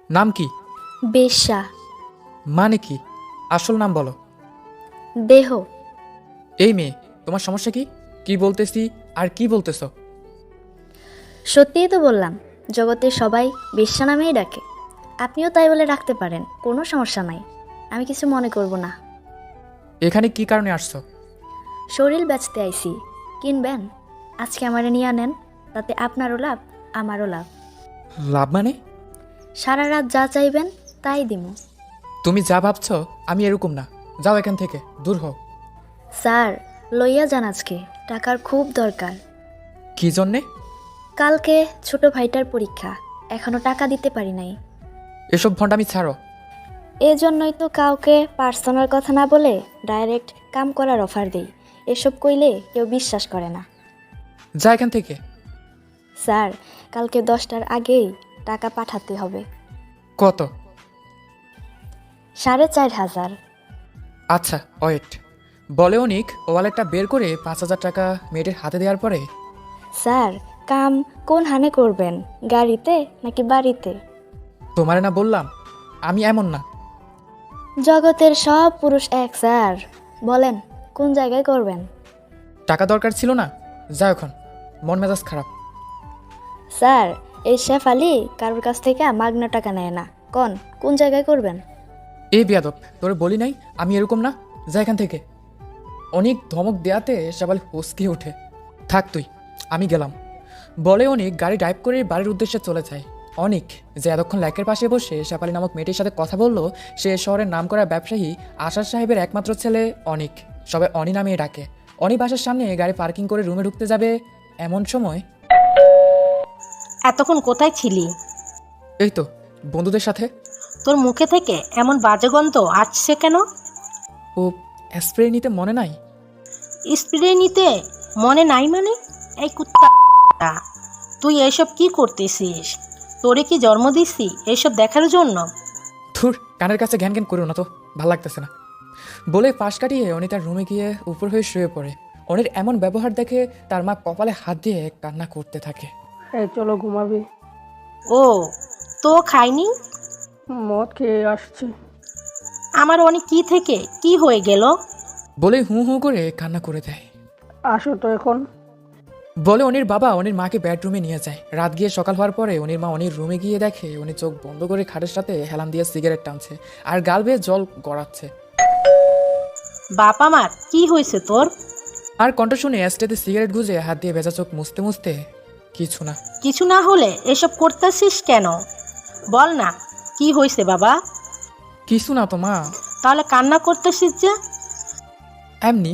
নাম কি? বেশ্যা। মানে কি? আসল নাম বলো। দেহ। এই মেয়ে, তোমার সমস্যা কি? কি বলতেছি আর কি বলতেছ? সত্যিই তো বললাম, জগতের সবাই বেশ্যা নামেই ডাকে। আপনিও তাই বলে রাখতে পারেন, কোনো সমস্যা নাই। আমি কিছু মনে করব না। এখানে কি কারণে আসছো? শরীর বেচতে আইছি, কিনবেন? আজকে আমারে নিয়ে নেন, তাতে আপনারও লাভ, আমারও লাভ। লাভ মানে? সারা রাত যা চাইবেন তাই দিমু। তুমি যা ভাবছ আমি এরকম না। যাও এখান থেকে, দূর হও। স্যার, লইয়া যান আজকে, টাকার খুব দরকার। কি জন্যে? কালকে ছোট ভাইটার পরীক্ষা, এখনো টাকা দিতে পারি নাই। এসব ভণ্ডামি ছাড়ো। এজন্যই তো কাউকে পার্সোনাল কথা না বলে ডাইরেক্ট কাম করার অফার দেই। এসব কইলে কেউ বিশ্বাস করে না। যা এখান থেকে। স্যার, কালকে 10টার আগেই টাকা পাঠাতে হবে। কত? 4,500। আচ্ছা ওয়েট। বলে অনিক ওয়ালেটটা বের করে 5,000 টাকা মেয়েটির হাতে দেওয়ার পরে। স্যার, কাম কোন হানে করবেন, গাড়িতে নাকি বাড়িতে? তোমারে না বললাম আমি এমন না। জগতের সব পুরুষ এক স্যার। বলেন কোন জায়গায় করবেন? টাকা দরকার ছিল না? যাও এখন, মন মেজাজ খারাপ। স্যার, এই শেফ আলী কারোর কাছ থেকে মাগনা টাকা নেয় না। কোন জায়গায় করবেন? এই বেয়াদব, তোরে বলি নাই আমি এরকম না। যা এখান থেকে। অনেক ধমক দেয়াতে সবাই হসকে ওঠে। থাক তুই, আমি গেলাম। বলে অনেক গাড়ি ড্রাইভ করে বাড়ির উদ্দেশ্যে চলে যায়। অনেক যে এতক্ষণ ল্যাকের পাশে বসে শেফালি নামক মেয়েটির সাথে কথা বলল, সে শহরের নামকরা ব্যবসায়ী আশার সাহেবের একমাত্র ছেলে অনিক। সবাই অনি নামে ডাকে। অনি বাসার সামনে গাড়ি পার্কিং করে রুমে ঢুকতে যাবে এমন সময়। এতক্ষণ কোথায় ছিলি? এই তো বন্ধুদের সাথে। তোর মুখে থেকে এমন বাজে গন্ধ আসছে কেন? ও, স্প্রে নিতে মনে নাই? স্প্রে নিতে মনে নাই মানে? এই কুত্তা, তুই এসব কি করতেছিস? তোরে কি জন্ম দিছি এসব দেখার জন্য? ধুর, কানের কাছে ঘ্যান ঘ্যান করো না তো, ভাল লাগতেছে না। বলে পাশ কাটিয়ে অনি তার রুমে গিয়ে উপর হয়ে শুয়ে পড়ে। অনির এমন ব্যবহার দেখে তার মা কপালে হাত দিয়ে কান্না করতে থাকে। এই চলো ঘুমাবি। ও, তো খাইনি? মদ খেয়ে আসছি। আমার অনেক কি থেকে কি হয়ে গেল? বলে হু হু করে কান্না করে দেয়। আসো তো এখন। বলে অনির বাবা অনির মাকে বেডরুমে নিয়ে যায়। রাত গিয়ে সকাল হওয়ার পরে অনির মা অনির রুমে গিয়ে দেখে উনি চোখ বন্ধ করে খাটের সাথে হেলান দিয়ে সিগারেট টানছে আর গাল বেয়ে জল গড়াচ্ছে। বাপ আমার, কি হয়েছে তোর? আর কণ্ঠ শুনে অ্যাস্টেতে সিগারেট গুজে হাত দিয়ে ভেজা চোখ মুছতে মুছতে, কিছু না। কিছু না হলে এসব করতেছিস কেন? বল না, কি হয়েছে বাবা? কিছু না তো মা, তাহলে কান্না করতেছিস যে? এমনি।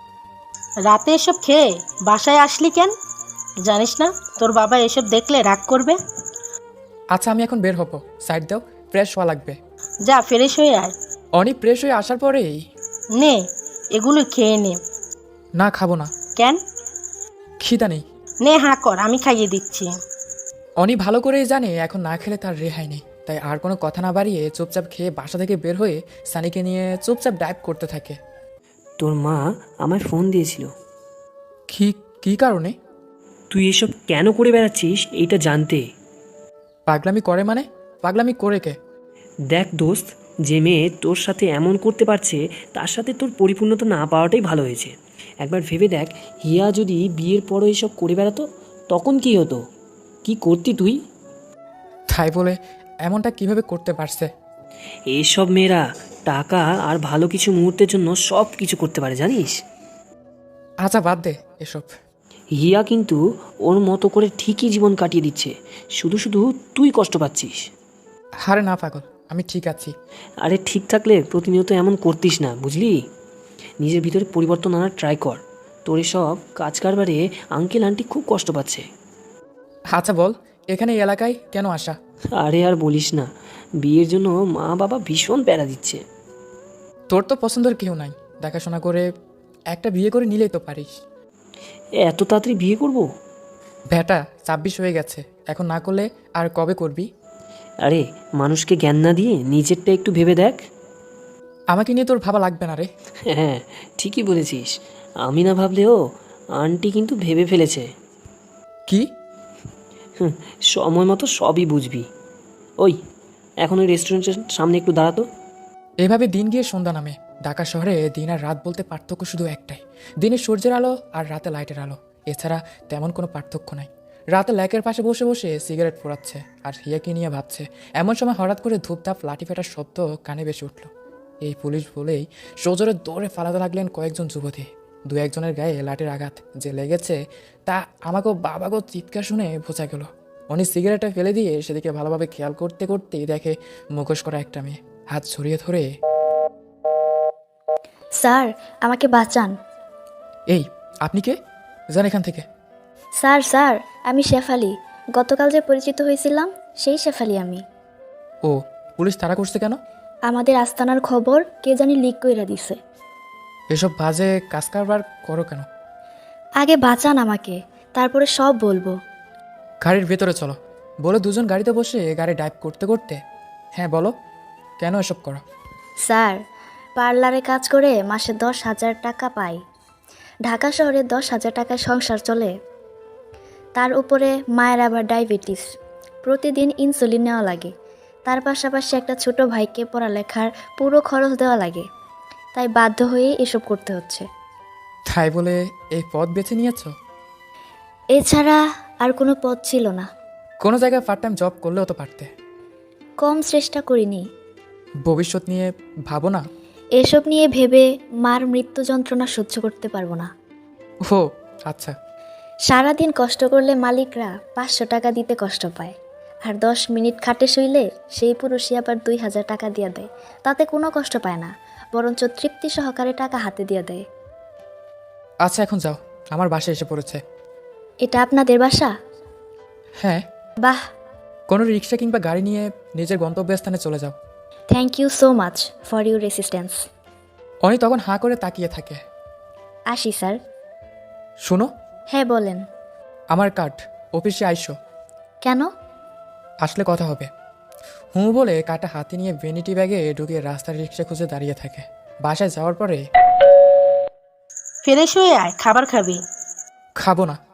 রাতে এসব খেয়ে বাসায় আসলি কেন? জানিস না তোর বাবা এসব দেখলে রাগ করবে? আচ্ছা আমি এখন বের হবো, সাইড দাও, ফ্রেশ হওয়া লাগবে। যা ফ্রেশ হয়ে আয়। অনি ফ্রেশ হয়ে আসার পরেই। নে, এগুলো খেয়ে নে। না খাবো না, কেন? খিদা নেই। নে, হাঁ কর, আমি খাইয়ে দিচ্ছি। অনি ভালো করেই জানে এখন না খেলে তার রেহাই নেই, তাই আর কোনো কথা না বাড়িয়ে চুপচাপ খেয়ে বাসা থেকে বের হয়ে সানিকে নিয়ে চুপচাপ ড্রাইভ করতে থাকে। তোর মা আমায় ফোন দিয়েছিল। কি কি কারণে? তুই এসব কেন করে বেড়াচ্ছিস এইটা জানতে। পাগলামি করে মানে? পাগলামি করে কে? দেখ দোস্ত, যে মেয়ে তোর সাথে এমন করতে পারছে তার সাথে তোর পরিপূর্ণতা না পাওয়াটাই ভালো হয়েছে। একবার ভেবে দেখ, হিয়া যদি বিয়ের পরও এসব করে বেড়াতো তখন কি হতো? কি করতি তুই? তাই বলে এমনটা কিভাবে করতে পারছে? এইসব মেয়েরা টাকা আর ভালো কিছু মুহূর্তের জন্য সব কিছু করতে পারে, জানিস? আচ্ছা বাদ দে এসব। হিয়া কিন্তু ওর মতো করে ঠিকই জীবন কাটিয়ে দিচ্ছে, শুধু শুধু তুই কষ্ট পাচ্ছিস। হারে না পাগল, আমি ঠিক আছি। আরে ঠিক থাকলে প্রতিনিয়ত এমন করতিস না, বুঝলি? নিজের ভিতরে পরিবর্তন আনার ট্রাই কর। তোর এসব কাজ কারবারে আঙ্কেল আন্টি খুব কষ্ট পাচ্ছে। আচ্ছা বল, এখানে এই এলাকায় কেন আসা? আরে আর বলিস না, বিয়ের জন্য মা বাবা ভীষণ প্যারা দিচ্ছে। তোর তো পছন্দের কেউ নাই, দেখাশোনা করে একটা বিয়ে করে নিলেই তো পারিস। এত তাড়াতাড়ি বিয়ে করব? ব্যাটা 26 হয়ে গেছে, এখন না করলে আর কবে করবি? আরে মানুষকে জ্ঞান না দিয়ে নিজেরটা একটু ভেবে দেখ। আমাকে নিয়ে তোর ভাবা লাগবে না রে। হ্যাঁ, ঠিকই বলেছিস। আমি না ভাবলেও আন্টি কিন্তু ভেবে ফেলেছে। কি? সময় মতো সবই বুঝবি। ওই এখন ওই রেস্টুরেন্টের সামনে একটু দাঁড়াতো। এভাবে দিন গিয়ে সন্ধ্যা নামে। ঢাকা শহরে দিন আর রাত বলতে পার্থক্য শুধু একটাই, দিনে সূর্যের আলো আর রাতে লাইটের আলো। এছাড়া তেমন কোনো পার্থক্য নাই। রাতে ল্যাকের পাশে বসে বসে সিগারেট পোড়াচ্ছে আর হিয়াকে নিয়ে ভাবছে। এমন সময় হঠাৎ করে ধূপধাপ লাঠি ফেটার শব্দ কানে বেশি উঠল। এই পুলিশ বলেই সজোরে দৌড়ে ফালাতে লাগলেন কয়েকজন যুবতী। দু একজনের গায়ে লাঠির আঘাত যে লেগেছে তা আমাকেও বাবাকেও চিৎকার শুনে বোঝা গেল। উনি সিগারেটটা ফেলে দিয়ে সেদিকে ভালোভাবে খেয়াল করতে করতেই দেখে মুখোশ করা একটা মেয়ে হাত ছড়িয়ে ধরে, স্যার, আমাকে বাঁচান। এই আপনি কে? যান এখান থেকে। স্যার স্যার, আমি শেফালি। গতকাল যে পরিচিত হয়েছিলাম সেই শেফালি আমি। ও, পুলিশ তাড়া করছে কেন? আমাদের আস্তানার খবর কে জানি লিক কইরা দিছে। এসব বাজে কাজ কারবার করো কেন? আগে বাঁচান আমাকে, তারপরে সব বলবো। গাড়ির ভেতরে চলো বলে দুজন গাড়িতে বসে গাড়ি ড্রাইভ করতে করতে, হ্যাঁ বলো কেন এসব করো? স্যার, পার্লারে কাজ করে মাসে 10,000 টাকা পাই। ঢাকা শহরে 10,000 টাকায় সংসার চলে। তার উপরে মায়ের আবার ডায়াবেটিস, প্রতিদিন ইনসুলিন নেওয়া লাগে। তার পাশাপাশি একটা ছোট ভাইকে পড়ালেখার পুরো খরচ দেওয়া লাগে। তাই বাধ্য হয়ে এসব করতে হচ্ছে। তাই বলে এই পথ বেছে নিয়েছো? এছাড়া আর কোনো পথ ছিল না। কোনো জায়গায় পার্ট টাইম জব করলেও তো পারতে। কম চেষ্টা করিনি। ভবিষ্যৎ নিয়ে ভাবো না? এসব নিয়ে ভেবে মার মৃত্যু যন্ত্রণা সহ্য করতে পারবো না। ও আচ্ছা। সারাদিন কষ্ট করলে মালিকরা 500 টাকা দিতে কষ্ট পায়, আর 10 মিনিট খাটে শুইলে সেই পুরুষই আবার 2,000 টাকা দিয়ে দেয়। তাতে কোনো কষ্ট পায় না, বরঞ্চ তৃপ্তি সহকারে টাকা হাতে দিয়ে দেয়। আচ্ছা এখন যাও, আমার বাসায় এসে পড়েছে। এটা আপনাদের বাসা? হ্যাঁ। বাহ, কোনো রিক্সা কিংবা গাড়ি নিয়ে নিজের গন্তব্যস্থানে চলে যাও। Thank you so much for your resistance. Oni তখন হাঁ করে তাকিয়ে থাকে। আসি স্যার। শুনো, হ্যাঁ বলেন। আমার কার্ড, অফিসে আইসো। কেন? আসলে কথা হবে। হুঁ বলে কার্ডটা হাতে নিয়ে ভ্যানিটি ব্যাগে ঢুকিয়ে রাস্তার রিক্সা খুঁজে দাঁড়িয়ে থাকে। বাসায় যাওয়ার পরে, ফ্রেশ হয়ে আয়, খাবার খাবি। খাবো না।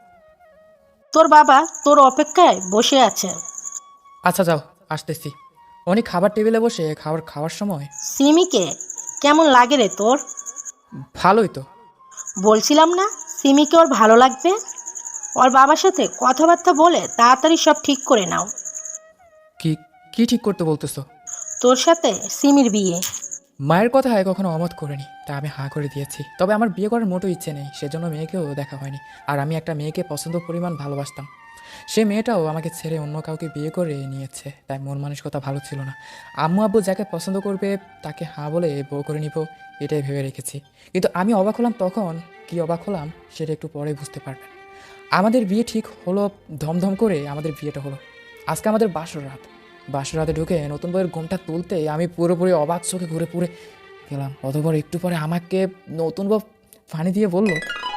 তোর বাবা তোর অপেক্ষায় বসে আছে। আচ্ছা যাও, আসতেছি। উনি খাবার টেবিলে বসে খাওয়ার সময়, সিমিকে কেমন লাগে রে তোর? ভালোই তো। বলছিলাম না সিমিকে ওর ভালো লাগবে। ওর বাবার সাথে কথাবার্তা বলে তাড়াতাড়ি সব ঠিক করে নাও। কি কি ঠিক করতে বলতেছো? তোর সাথে সিমির বিয়ে। মায়ের কথায় কখনো অমত করিনি, তা আমি হাঁ করে দিয়েছি। তবে আমার বিয়ে করার মোটো ইচ্ছে নেই, সেজন্য মেয়েকেও দেখা হয়নি। আর আমি একটা মেয়েকে পছন্দ পরিমাণ ভালোবাসতাম। সে মেয়েটাও আমাকে ছেড়ে অন্য কাউকে বিয়ে করে নিয়েছে, তাই মন মানসিকতা ভালো ছিল না। আম্মু আব্বু যাকে পছন্দ করবে তাকে হাঁ বলে বউ করে নিব, এটাই ভেবে রেখেছি। কিন্তু আমি অবাক হলাম তখন। কি অবাক হলাম সেটা একটু পরে বুঝতে পারবেন। আমাদের বিয়ে ঠিক হলো, ধমধম করে আমাদের বিয়েটা হলো। আজকে আমাদের বাসর রাতে ঢুকে নতুন বইয়ের ঘুমটা তুলতে আমি পুরোপুরি অবাক চোখে ঘুরে পুরে গেলাম। অতপর একটু পরে আমাকে নতুন বউ পানি দিয়ে বলল,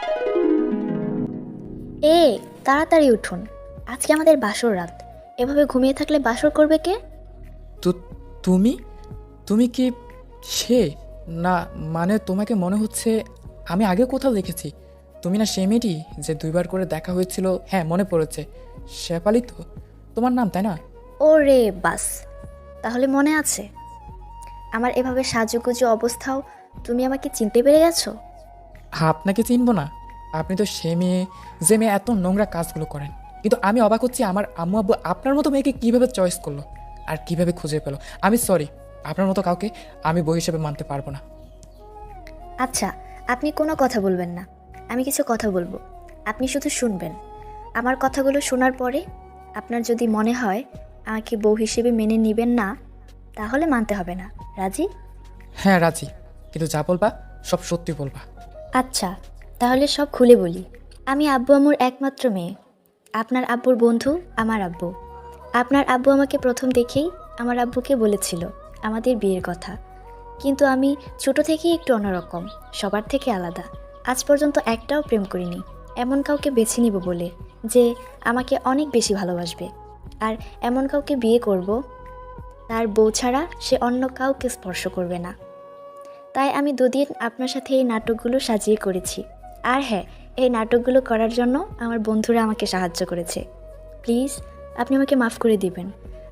এ তাড়াতাড়ি উঠুন, আজকে আমাদের বাসর রাত। এভাবে ঘুমিয়ে থাকলে বাসর করবে কে? তো তুমি তুমি কি সে? না মানে তোমাকে মনে হচ্ছে আমি আগে কোথাও দেখেছি। তুমি না সে মেয়েটি যে 2বার করে দেখা হয়েছিল? হ্যাঁ মনে পড়েছে, শেফালি তো তোমার নাম, তাই না? ও রে বাস, তাহলে মনে আছে। আমার এভাবে সাজুগুজু অবস্থাও তুমি আমাকে চিনতে পেরে গেছো? আপনাকে চিনবো না? আপনি তো সে মেয়ে যে মেয়ে এত নোংরা কাজগুলো করেন। কিন্তু আমি অবাক হচ্ছি আমার আম্মু আব্বু আপনার মতো মেয়েকে কীভাবে চয়েস করলো আর কিভাবে খুঁজে পেলো। আমি সরি, আপনার মতো কাউকে আমি বই হিসেবে মানতে পারবো না। আচ্ছা, আপনি কোনো কথা বলবেন না, আমি কিছু কথা বলবো, আপনি শুধু শুনবেন। আমার কথাগুলো শোনার পরে আপনার যদি মনে হয় আমাকে বউ হিসেবে মেনে নেবেন না, তাহলে মানতে হবে না। রাজি? হ্যাঁ রাজি, কিন্তু যা বলবা সব সত্যি বলবা। আচ্ছা, তাহলে সব খুলে বলি। আমি আব্বু আম্মুর একমাত্র মেয়ে। আপনার আব্বুর বন্ধু আমার আব্বু। আপনার আব্বু আমাকে প্রথম দেখেই আমার আব্বুকে বলেছিল আমাদের বিয়ের কথা। কিন্তু আমি ছোট থেকেই একটু অন্যরকম, সবার থেকে আলাদা। আজ পর্যন্ত একটাও প্রেম করিনি। এমন কাউকে বেছে নিব বলে যে আমাকে অনেক বেশি ভালোবাসবে, আর এমন কাউকে বিয়ে করব তার বউ ছাড়া সে অন্য কাউকে স্পর্শ করবে না। তাই আমি 2 দিন আপনার সাথে এই নাটকগুলো সাজিয়ে করেছি। আর হ্যাঁ, এই নাটকগুলো করার জন্য আমার বন্ধুরা আমাকে সাহায্য করেছে। প্লিজ আপনি আমাকে মাফ করে দিবেন।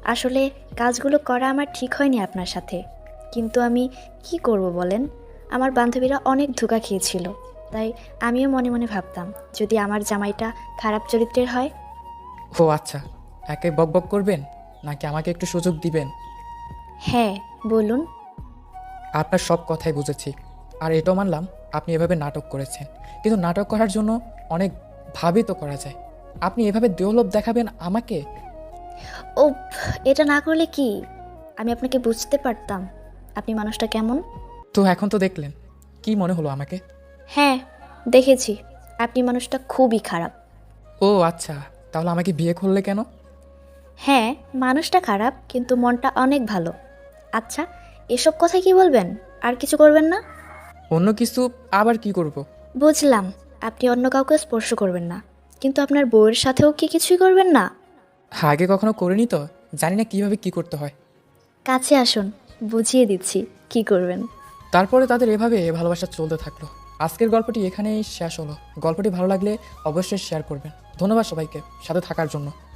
আসলে কাজগুলো করা আমার ঠিক হয়নি আপনার সাথে, কিন্তু আমি কি করব বলেন? আমার বান্ধবীরা অনেক ধোঁকা খেয়েছিল, তাই আমিও মনে মনে ভাবতাম যদি আমার জামাইটা খারাপ চরিত্রের হয়। ও আচ্ছা, একে বক বক করবেন নাকি আমাকে একটু সুযোগ দিবেন? হ্যাঁ, বলুন। আপনার সব কথাই বুঝেছি, আর এটাও মানলাম আপনি এভাবে নাটক করেছেন, কিন্তু নাটক করার জন্য অনেক ভাবে তো করা যায়। আপনি এভাবে দেহলোভ দেখাবেন আমাকে? ও, এটা না করলে কি আমি আপনাকে বুঝতে পারতাম আপনি মানুষটা কেমন? তো এখন তো দেখলেন, কি মনে হলো আমাকে? হ্যাঁ, দেখেছি আপনি মানুষটা খুবই খারাপ। ও আচ্ছা, তাহলে আমাকে বিয়ে করলে কেন? হ্যাঁ, মানুষটা খারাপ কিন্তু মনটা অনেক ভালো। আচ্ছা, এসব কথা কি বলবেন? আর কিছু করবেন না? অন্য কিছু আবার কি করব? বুঝলাম, আপনি অন্য কাউকে স্পর্শ করবেন না, কিন্তু আপনার বউয়ের সাথেও কি কিছুই করবেন না? আগে কখনো করিনি তো, জানি না কিভাবে কি করতে হয়। কাছে আসুন, বুঝিয়ে দিচ্ছি কি করবেন। তারপরে তাদের এভাবে ভালোবাসা চলতে থাকলো। আজকের গল্পটি এখানেই শেষ হলো। গল্পটি ভালো লাগলে অবশ্যই শেয়ার করবেন। ধন্যবাদ সবাইকে সাথে থাকার জন্য।